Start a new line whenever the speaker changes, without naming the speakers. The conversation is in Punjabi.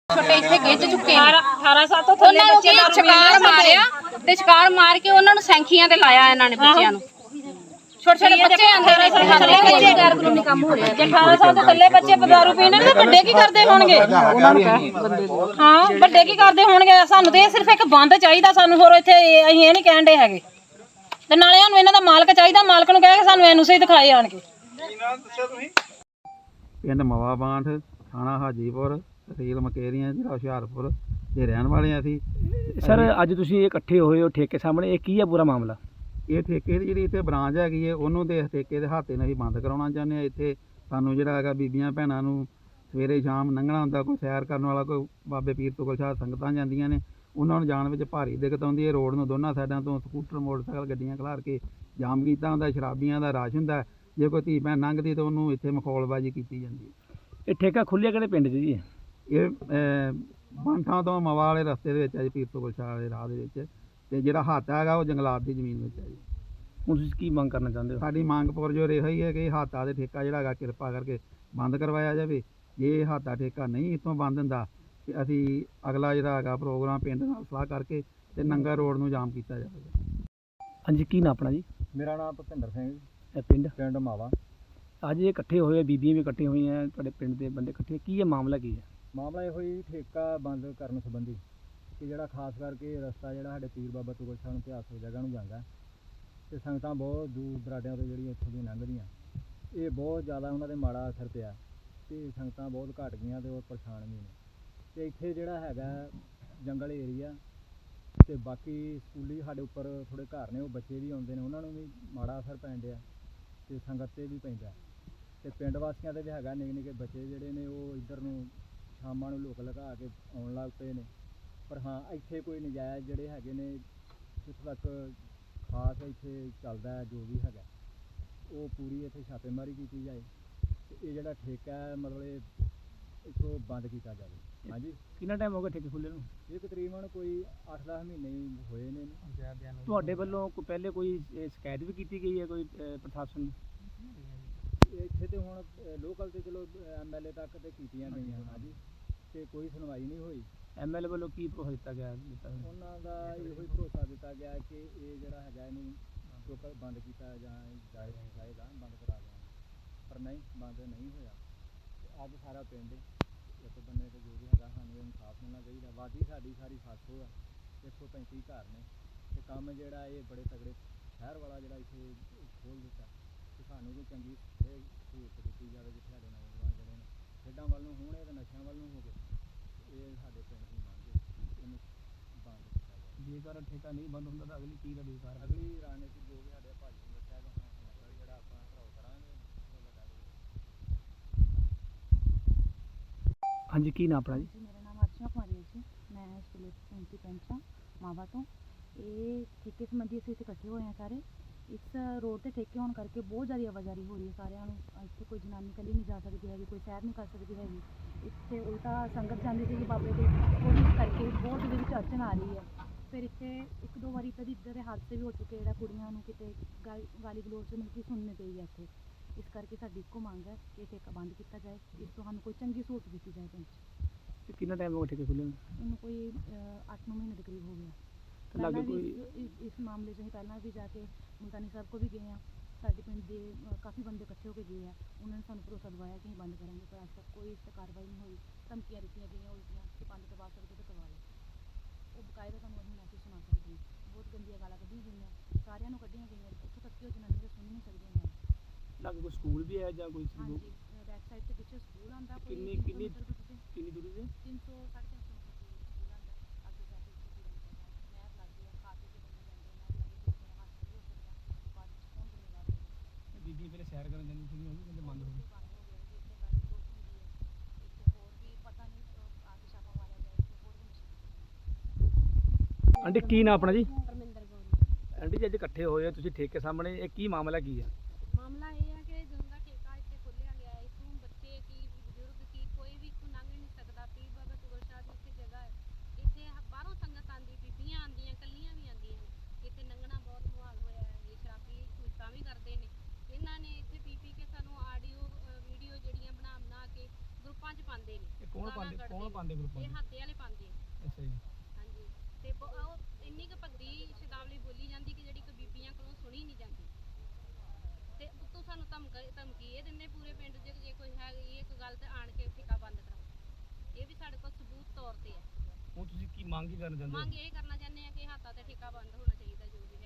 ਛੋਟੇ ਇੱਥੇ ਗਿੱਜ ਚੁੱਕੇ ਨੇ 18 ਸਾਲ ਤੋਂ ਥੱਲੇ ਬੱਚੇ ਛਕਾਰ ਮਾਰਿਆ ਤੇ ਛਕਾਰ ਮਾਰ ਕੇ ਉਹਨਾਂ ਨੂੰ ਸੈਂਖੀਆਂ ਤੇ ਲਾਇਆ ਇਹਨਾਂ ਨੇ ਬੱਚਿਆਂ ਨੂੰ। ਛੋਟੇ ਛੋਟੇ ਬੱਚੇ 18 ਸਾਲ ਦੇ ਬੱਚੇ ਗੈਰ ਕਾਨੂੰਨੀ ਕੰਮ ਹੋ ਰਿਹਾ। ਜੇ 18 ਸਾਲ ਤੋਂ ਥੱਲੇ ਬੱਚੇ ਦਾਰੂ ਪੀਣ ਨੇ ਤਾਂ ਵੱਡੇ ਕੀ ਕਰਦੇ ਹੋਣਗੇ? ਉਹਨਾਂ ਨੂੰ ਹਾਂ ਵੱਡੇ ਕੀ ਕਰਦੇ ਹੋਣਗੇ? ਸਾਨੂੰ ਤੇ ਇਹ ਸਿਰਫ ਇੱਕ ਬੰਦ ਚਾਹੀਦਾ ਸਾਨੂੰ, ਹੋਰ ਇੱਥੇ ਅਸੀਂ ਇਹ ਨਹੀਂ ਕਹਿਣ ਦੇ ਹੈਗੇ। ਤੇ ਨਾਲੇ ਸਾਨੂੰ ਇਹਨਾਂ ਦਾ ਮਾਲਕ ਚਾਹੀਦਾ, ਮਾਲਕ ਨੂੰ ਕਹਿ ਕੇ ਸਾਨੂੰ ਐਨਓਸੀ ਦਿਖਾਏ ਆਣ ਕੇ।
ਪਿੰਡ ਮਵਾ ਬਾਂਠ, ਥਾਣਾ ਹਾਜੀਪੁਰ, ਤਹਿਸੀਲ ਮਕੇਰੀਆਂ, ਜ਼ਿਲ੍ਹਾ ਹੁਸ਼ਿਆਰਪੁਰ ਦੇ ਰਹਿਣ ਵਾਲੇ ਹਾਂ ਅਸੀਂ।
ਸਰ ਅੱਜ ਤੁਸੀਂ ਇਕੱਠੇ ਹੋਏ ਹੋ ਠੇਕੇ ਸਾਹਮਣੇ, ਇਹ ਕੀ ਹੈ ਪੂਰਾ ਮਾਮਲਾ?
ਇਹ ਠੇਕੇ ਦੀ ਜਿਹੜੀ ਇੱਥੇ ਬ੍ਰਾਂਚ ਹੈਗੀ ਹੈ ਉਹਨੂੰ ਦੇ ਠੇਕੇ ਦੇ ਹਾਤੇ ਨੂੰ ਅਸੀਂ ਬੰਦ ਕਰਾਉਣਾ ਚਾਹੁੰਦੇ ਹਾਂ। ਇੱਥੇ ਸਾਨੂੰ ਜਿਹੜਾ ਹੈਗਾ ਬੀਬੀਆਂ ਭੈਣਾਂ ਨੂੰ ਸਵੇਰੇ ਸ਼ਾਮ ਲੰਘਣਾ ਹੁੰਦਾ, ਕੋਈ ਸੈਰ ਕਰਨ ਵਾਲਾ, ਕੋਈ ਬਾਬੇ ਪੀਰ ਤੋਂ ਸ਼ਾਹ ਸੰਗਤਾਂ ਜਾਂਦੀਆਂ ਨੇ, ਉਹਨਾਂ ਨੂੰ ਜਾਣ ਵਿੱਚ ਭਾਰੀ ਦਿੱਕਤ ਆਉਂਦੀ ਹੈ। ਰੋਡ ਨੂੰ ਦੋਨਾਂ ਸਾਈਡਾਂ ਤੋਂ ਸਕੂਟਰ ਮੋਟਰਸਾਈਕਲ ਗੱਡੀਆਂ ਖਿਲਾਰ ਕੇ ਜਾਮ ਕੀਤਾ ਹੁੰਦਾ, ਸ਼ਰਾਬੀਆਂ ਦਾ ਰਸ਼ ਹੁੰਦਾ। ਜੇ ਕੋਈ ਧੀ ਭੈਣ ਲੰਘਦੀ ਤਾਂ ਉਹਨੂੰ ਇੱਥੇ ਮਖੌਲਬਾਜ਼ੀ ਕੀਤੀ ਜਾਂਦੀ ਹੈ।
ਇਹ ਠੇਕਾ ਖੁੱਲਿਆ ਕਿਹੜੇ ਪਿੰਡ 'ਚ ਜੀ?
ਇਹ ਬਾਂਠਾਂ ਤੋਂ ਮਵਾ ਵਾਲੇ ਰਸਤੇ ਦੇ ਵਿੱਚ ਹੈ ਜੀ, ਪੀਰ ਤੋਂ ਸ਼ਾਹ ਵਾਲੇ ਰਾਹ ਦੇ ਵਿੱਚ। ਤੇ ਜਿਹੜਾ ਹਾਤਾ ਹੈਗਾ ਉਹ ਜੰਗਲਾਤ ਦੀ ਜ਼ਮੀਨ ਵਿੱਚ ਹੈ ਜੀ।
ਹੁਣ ਤੁਸੀਂ ਕੀ ਮੰਗ ਕਰਨਾ ਚਾਹੁੰਦੇ ਹੋ?
ਸਾਡੀ ਮੰਗ ਪੁਰਜੋਰ ਇਹੋ ਹੀ ਹੈ ਕਿ ਹਾਤਾ ਦੇ ਠੇਕਾ ਜਿਹੜਾ ਹੈਗਾ ਕਿਰਪਾ ਕਰਕੇ ਬੰਦ ਕਰਵਾਇਆ ਜਾਵੇ। ਜੇ ਹਾਤਾ ਠੇਕਾ ਨਹੀਂ ਇੱਥੋਂ ਬੰਦ ਹੁੰਦਾ ਤੇ ਅਸੀਂ ਅਗਲਾ ਜਿਹੜਾ ਹੈਗਾ ਪ੍ਰੋਗਰਾਮ ਪਿੰਡ ਨਾਲ ਸਲਾਹ ਕਰਕੇ ਤੇ ਨੰਗਾ ਰੋਡ ਨੂੰ ਜਾਮ ਕੀਤਾ ਜਾਵੇਗਾ।
ਹਾਂਜੀ, ਕੀ ਨਾਂ ਆਪਣਾ ਜੀ?
ਮੇਰਾ ਨਾਮ ਭੁਪਿੰਦਰ ਸਿੰਘ,
ਪਿੰਡ
ਮਾਵਾ।
ਅੱਜ ਇਹ ਇਕੱਠੇ ਹੋਏ, ਬੀਬੀਆਂ ਵੀ ਇਕੱਠੇ ਹੋਈਆਂ, ਤੁਹਾਡੇ ਪਿੰਡ ਦੇ ਬੰਦੇ ਇਕੱਠੇ, ਕੀ ਹੈ ਮਾਮਲਾ ਕੀ ਹੈ?
ਮਾਮਲਾ ਇਹੋ ਹੀ ਠੇਕਾ ਬੰਦ ਕਰਨ ਸੰਬੰਧੀ ਕਿ ਜਿਹੜਾ ਖਾਸ ਕਰਕੇ ਰਸਤਾ ਜਿਹੜਾ ਸਾਡੇ ਪੀਰ ਬਾਬਾ ਤੁਗਲ ਸ਼ਾਹ ਨੂੰ ਇਤਿਹਾਸਕ ਜਗ੍ਹਾ ਨੂੰ ਜਾਂਦਾ ਤੇ ਸੰਗਤਾਂ ਬਹੁਤ ਦੂਰ ਦਰਾਡਿਆਂ ਤੋਂ ਜਿਹੜੀਆਂ ਇੱਥੋਂ ਦੀਆਂ ਲੰਘਦੀਆਂ, ਇਹ ਬਹੁਤ ਜ਼ਿਆਦਾ ਉਹਨਾਂ 'ਤੇ ਮਾੜਾ ਅਸਰ ਪਿਆ ਤੇ ਸੰਗਤਾਂ ਬਹੁਤ ਘਟ ਗਈਆਂ ਤੇ ਉਹ ਪਰੇਸ਼ਾਨ ਵੀ ਨੇ। ਤੇ ਇੱਥੇ ਜਿਹੜਾ ਹੈਗਾ ਜੰਗਲ ਏਰੀਆ ਤੇ ਬਾਕੀ ਸਕੂਲੀ ਸਾਡੇ ਉੱਪਰ ਥੋੜ੍ਹੇ ਘਰ ਨੇ, ਉਹ ਬੱਚੇ ਵੀ ਆਉਂਦੇ ਨੇ, ਉਹਨਾਂ ਨੂੰ ਵੀ ਮਾੜਾ ਅਸਰ ਪੈਣ ਡਿਆ ਤੇ ਸੰਗਤ 'ਤੇ ਵੀ ਪੈਂਦਾ ਤੇ ਪਿੰਡ ਵਾਸੀਆਂ 'ਤੇ ਵੀ ਹੈਗਾ। ਨਿੱਕੇ ਨਿੱਕੇ ਬੱਚੇ ਜਿਹੜੇ ਨੇ ਉਹ ਇੱਧਰ ਨੂੰ ਸ਼ਾਮਾਂ ਨੂੰ ਲੁਕ ਲਗਾ ਕੇ ਆਉਣ ਲੱਗ ਪਏ ਨੇ। ਪਰ ਹਾਂ, ਇੱਥੇ ਕੋਈ ਨਜਾਇਜ਼ ਜਿਹੜੇ ਹੈਗੇ ਨੇ, ਜਿੱਥੇ ਤੱਕ ਖਾਸ ਇੱਥੇ ਚੱਲਦਾ ਹੈ ਜੋ ਵੀ ਹੈਗਾ ਉਹ ਪੂਰੀ ਇੱਥੇ ਛਾਪੇਮਾਰੀ ਕੀਤੀ ਜਾਏ ਤੇ ਇਹ ਜਿਹੜਾ ਠੇਕਾ ਹੈ ਮਤਲਬ ਇੱਥੋਂ ਬੰਦ ਕੀਤਾ ਜਾਵੇ। ਹਾਂਜੀ,
ਕਿੰਨਾ ਟਾਈਮ ਹੋ ਗਿਆ ਠੇਕੇ ਖੁੱਲ੍ਹੇ ਨੂੰ?
ਇਹ ਤਕਰੀਬਨ ਕੋਈ 8-10 ਮਹੀਨੇ ਹੀ ਹੋਏ ਨੇ।
ਤੁਹਾਡੇ ਵੱਲੋਂ ਪਹਿਲੇ ਕੋਈ ਸ਼ਿਕਾਇਤ ਵੀ ਕੀਤੀ ਗਈ ਹੈ ਕੋਈ ਪ੍ਰਸ਼ਾਸਨ ਨੂੰ?
ਇੱਥੇ ਤੇ ਹੁਣ ਲੋਕਲ ਤੇ ਚਲੋ MLA ਤੱਕ ਤੇ ਕੀਤੀਆਂ ਗਈਆਂ। ਹਾਂਜੀ, ਤੇ ਕੋਈ ਸੁਣਵਾਈ ਨਹੀਂ ਹੋਈ।
MLA ਵੱਲੋਂ ਕੀ ਭਰੋਸਾ ਦਿੱਤਾ ਗਿਆ?
ਉਹਨਾਂ ਦਾ ਇਹੋ ਹੀ ਭਰੋਸਾ ਦਿੱਤਾ ਗਿਆ ਕਿ ਇਹ ਜਿਹੜਾ ਹੈਗਾ ਇਹਨੂੰ ਲੋਕਲ ਬੰਦ ਕੀਤਾ ਜਾਏਗਾ, ਬੰਦ ਕਰਾ ਦੇਵਾਂਗੇ। ਪਰ ਨਹੀਂ, ਬੰਦ ਨਹੀਂ ਹੋਇਆ। ਅੱਜ ਸਾਰਾ ਪਿੰਡ ਇੱਕ ਬੰਨੇ ਤੇ ਜੋ ਵੀ ਹੈਗਾ ਸਾਨੂੰ ਇਨਸਾਫ ਮਿਲਣਾ ਚਾਹੀਦਾ। ਵਾਦੀ ਸਾਡੀ ਸਾਰੀ 700 ਹੈ, 135 ਘਰ ਨੇ ਤੇ ਕੰਮ ਜਿਹੜਾ ਇਹ ਬੜੇ ਤਗੜੇ ਸ਼ਹਿਰ ਵਾਲਾ ਜਿਹੜਾ ਇੱਥੇ ਖੋਲ੍ਹ ਦਿੱਤਾ ਤੇ ਸਾਨੂੰ ਕੋਈ ਚੰਗੀ ਸਹੂਲਤ ਦਿੱਤੀ ਜਾਵੇ ਜਿੱਥੇ ਸਾਡੇ ਨੌਜਵਾਨ ਜਿਹੜੇ ਨੇ ਖੇਡਾਂ ਵੱਲ ਨੂੰ ਹੋਣ ਤੇ ਨਸ਼ਿਆਂ ਵੱਲ ਨੂੰ ਹੋ ਗਏ। ਇਹ ਸਾਡੇ ਪਿੰਡ ਦੀ ਮੰਗ ਹੈ, ਇਹਨੂੰ ਬੰਦ ਕੀਤਾ ਜਾਵੇ।
ਜੇਕਰ ਠੇਕਾ ਨਹੀਂ ਬੰਦ ਹੁੰਦਾ ਤਾਂ ਅਗਲੀ ਕੀ ਤੁਹਾਡੀ ਕਾਰਵਾਈ?
ਅਗਲੀ ਰਣਨੀਤੀ ਜੋ ਵੀ ਸਾਡੇ ਭਾਜੀ ਨੂੰ ਦੱਸਿਆ ਕਿ ਹੁਣ ਸਮੱਗਰੀ ਜਿਹੜਾ ਆਪਾਂ ਘਰਾਓ ਕਰਾਂਗੇ ਉਹ ਵੱਡਾ
ਹਾਂਜੀ, ਕੀ ਨਾਂ ਆਪਣਾ ਜੀ?
ਮੇਰਾ ਨਾਮ ਅਰਚਨਾ ਕੁਮਾਰੀ ਹੈ ਜੀ। ਮੈਂ ਇਸ ਵੇਲੇ ਪੈਂਤੀ ਪੈਂਚ ਹਾਂ ਮਾਵਾ ਤੋਂ। ਇਹ ਠੇਕੇ ਸੰਬੰਧੀ ਅਸੀਂ ਇੱਥੇ ਇਕੱਠੇ ਹੋਏ ਹਾਂ ਸਾਰੇ। ਇਸ ਰੋਡ 'ਤੇ ਠੇਕੇ ਹੋਣ ਕਰਕੇ ਬਹੁਤ ਜ਼ਿਆਦਾ ਆਵਾਜਾਈ ਹੋ ਰਹੀ ਹੈ ਸਾਰਿਆਂ ਨੂੰ। ਇੱਥੇ ਕੋਈ ਜਨਾਨੀ ਇਕੱਲੀ ਨਹੀਂ ਜਾ ਸਕਦੀ ਹੈਗੀ, ਕੋਈ ਸੈਰ ਨਹੀਂ ਕਰ ਸਕਦੀ ਹੈਗੀ। ਇੱਥੇ ਉਲਟਾ ਸੰਗਤ ਜਾਂਦੀ ਸੀਗੀ ਬਾਬੇ ਦੇ, ਉਹਦੇ ਕਰਕੇ ਬਹੁਤ ਇਹਦੇ ਵਿੱਚ ਅੜਚਨ ਆ ਰਹੀ ਹੈ। ਫਿਰ ਇੱਥੇ 1-2 ਵਾਰੀ ਕਦੀ ਇੱਦਾਂ ਦੇ ਹਾਦਸੇ ਵੀ ਹੋ ਚੁੱਕੇ ਜਿਹੜਾ ਕੁੜੀਆਂ ਨੂੰ ਕਿਤੇ ਗਾਲੀ ਗਲੋਚ ਮਤਲਬ ਕਿ ਸੁਣਨੀ ਪਈ ਹੈ ਇੱਥੇ। ਇਸ ਕਰਕੇ ਸਾਡੀ ਇੱਕੋ ਮੰਗ ਹੈ ਕਿ ਠੇਕਾ ਬੰਦ ਕੀਤਾ ਜਾਏ, ਇਸ ਤੋਂ ਸਾਨੂੰ ਕੋਈ ਚੰਗੀ ਸਹੂਲਤ ਦਿੱਤੀ ਜਾਏ ਪਿੰਡ 'ਚ।
ਕਿੰਨਾ ਟਾਈਮ ਹੋ ਗਿਆ ਠੇਕੇ ਖੁੱਲ੍ਹੇ ਨੂੰ?
ਇਹਨੂੰ ਕੋਈ 8-9 ਮਹੀਨੇ ਦੇ ਕਰੀਬ ਹੋ ਗਿਆ।
ਤੇ ਲਾਗੇ
ਪਹਿਲਾਂ ਵੀ
ਕੋਈ
ਇਸ ਮਾਮਲੇ 'ਚ ਅਸੀਂ ਪਹਿਲਾਂ ਵੀ ਜਾ ਕੇ ਮੁਲਤਾਨੀ ਸਾਹਿਬ ਕੋਲ ਵੀ ਗਏ ਹਾਂ। ਸਾਡੇ ਪਿੰਡ ਦੇ ਕਾਫੀ ਬੰਦੇ ਇਕੱਠੇ ਹੋ ਕੇ ਗਏ ਆ, ਉਹਨਾਂ ਨੇ ਸਾਨੂੰ ਭਰੋਸਾ ਦਿਵਾਇਆ ਕਿ ਅਸੀਂ ਬੰਦ ਕਰਾਂਗੇ, ਪਰ ਅੱਜ ਤੱਕ ਕੋਈ ਇਸ 'ਤੇ ਕਾਰਵਾਈ ਨਹੀਂ ਹੋਈ। ਧਮਕੀਆਂ ਦਿੱਤੀਆਂ ਗਈਆਂ ਉਲਟੀਆਂ ਕਿ ਬੰਦ ਕਰਵਾ ਸਕਦੇ ਤਾਂ ਕਰਵਾ ਲਓ। ਉਹ ਬਕਾਇਦਾ ਤੁਹਾਨੂੰ ਅਸੀਂ ਮੈਸੇਜ ਸੁਣਾ ਸਕਦੇ ਹਾਂ। ਬਹੁਤ ਗੰਦੀਆਂ ਗਾਲਾਂ ਕੱਢੀਆਂ ਗਈਆਂ, ਸਾਰਿਆਂ ਨੂੰ ਕੱਢੀਆਂ ਗਈਆਂ। ਇੱਥੋਂ ਤੱਕ ਕਿ ਉਹ ਜਨਾਨੀ ਤਾਂ ਸੁਣ ਨਹੀਂ ਸਕਦੀਆਂ ਹੈ।
ਲਾਗੇ ਕੋਈ ਸਕੂਲ ਵੀ ਹੈ ਜਾਂ ਕੋਈ?
ਹਾਂਜੀ, ਬੈਕ ਸਾਈਡ 'ਤੇ ਪਿੱਛੇ ਸਕੂਲ ਆਉਂਦਾ ਕੋਈ
ਕਿੰਨੀ
300
ਕਿੰਨੀ
ਮੀਟਰ ਦੂਰ 'ਤੇ,
ਕਿੰਨੀ ਦੂਰੀ ਤੇ?
300-350 ਮੀਟਰ ਦੂਰ ਸਕੂਲ ਆਉਂਦਾ। ਅੱਗੇ ਜਾ ਕੇ ਉੱਥੇ ਨਹਿਰ ਲੱਗਦੀ ਹੈ, ਖਾ ਪੀ ਕੇ ਬੰਦੇ ਜਾਂਦੇ ਨਹਿਰ ਲੱਗੇ, ਕਿਸੇ ਦਾ ਹੱਥ ਵੀ ਹੋ ਸਕਦਾ। ਬਾਅਦ ਵਿੱਚ ਕੌਣ ਜ਼ਿੰਮੇਵਾਰ ਹੋਵੇਗਾ?
ਬੀਬੀ ਪਹਿਲੇ ਸੈਰ ਕਰਨ ਜਾਂਦੀ ਸੀ, ਉਹ ਵੀ ਕਹਿੰਦੇ ਬੰਦ ਹੋ ਗਈ।
ਬੰਦ ਹੋ ਗਿਆ ਜੀ। ਇੱਥੇ ਗਾੜੀ ਗਲੋਚ ਹੁੰਦੀ ਹੈ। ਇੱਥੇ ਹੋਰ ਵੀ ਪਤਾ ਨਹੀਂ ਆ ਕੇ ਛਾਪਾ ਮਾਰਿਆ ਜਾਏ, ਇੱਥੇ ਹੋਰ ਵੀ ਨਸ਼ੇ।
ਆਂਟੀ, ਕੀ ਨਾਂ ਆਪਣਾ ਜੀ?
ਪਰਮਿੰਦਰ ਕੌਰ।
ਆਂਟੀ ਜੀ, ਅੱਜ ਇਕੱਠੇ ਹੋਏ ਹੋ ਤੁਸੀਂ ਠੇਕੇ ਸਾਹਮਣੇ, ਇਹ ਕੀ ਮਾਮਲਾ ਕੀ ਹੈ?
ਮਾਮਲਾ ਇਹ ਹੈ ਕਿ ਜਦੋਂ ਦਾ ਠੇਕਾ ਇੱਥੇ ਖੋਲ੍ਹਿਆ ਗਿਆ ਹੈ, ਇੱਥੋਂ ਬੱਚੇ ਕੀ ਬਜ਼ੁਰਗ ਕੀ ਕੋਈ ਵੀ ਇੱਥੋਂ ਲੰਘ ਨਹੀਂ ਸਕਦਾ। ਪੀਰ ਬਾਬਾ ਤੁਗਲ ਸ਼ਾਹ ਦੀ ਇੱਥੇ ਜਗ੍ਹਾ ਹੈ। ਇੱਥੇ ਬਾਹਰੋਂ ਸੰਗਤ ਆਉਂਦੀ, ਬੀਬੀਆਂ ਆਉਂਦੀਆਂ, ਇਕੱਲੀਆਂ ਵੀ ਆਉਂਦੀਆਂ ਨੇ। ਇੱਥੇ ਲੰਘਣਾ ਬਹੁਤ ਮੁਹਾਲ ਹੋਇਆ ਹੈ। ਇਹ ਸ਼ਰਾਬੀ ਝੂਠਾਂ ਵੀ ਕਰਦੇ ਨੇ। ਇਹਨਾਂ ਨੇ ਇੱਥੇ ਪੀ ਕੇ ਸਾਨੂੰ ਆਡੀਓ ਵੀਡੀਓ ਜਿਹੜੀਆਂ ਬਣਾ ਕੇ ਗਰੁੱਪਾਂ 'ਚ ਪਾਉਂਦੇ ਨੇ।
ਕੌਣ ਪਾਉਂਦੇ ਗਰੁੱਪਾਂ
ਇਹ ਹਾਤੇ ਵਾਲੇ ਪਾਉਂਦੇ ਆ।
ਅੱਛਾ ਜੀ।
ਹਾਂਜੀ ਤੇ ਉਹ ਇੰਨੀ ਕੁ ਭੱਦੀ ਸ਼ਬਦਾਵਲੀ ਬੋਲੀ ਜਾਂਦੀ ਕਿ ਜਿਹੜੀ ਕਿ ਬੀਬੀਆਂ ਕੋਲੋਂ ਸੁਣੀ ਨਹੀਂ ਜਾਂਦੀ ਤੇ ਉੱਤੋਂ ਸਾਨੂੰ ਧਮਕੀ ਇਹ ਦਿੰਦੇ ਪੂਰੇ ਪਿੰਡ 'ਚ ਜੇ ਕੋਈ ਹੈ ਇਹ ਗੱਲ ਤੇ ਆਣ ਕੇ ਠੇਕਾ ਬੰਦ ਕਰਾਓ। ਇਹ ਵੀ ਸਾਡੇ ਕੋਲ ਸਬੂਤ ਤੌਰ ਤੇ ਹੈ।
ਹੁਣ ਤੁਸੀਂ ਕੀ ਮੰਗ ਕਰਨਾ ਚਾਹੁੰਦੇ ਹੋ?
ਮੰਗ ਇਹ ਕਰਨਾ ਚਾਹੁੰਦੇ ਆ ਕਿ ਹਾਤਾ ਤੇ ਠੇਕਾ ਬੰਦ ਹੋਣਾ ਚਾਹੀਦਾ ਜੋ ਵੀ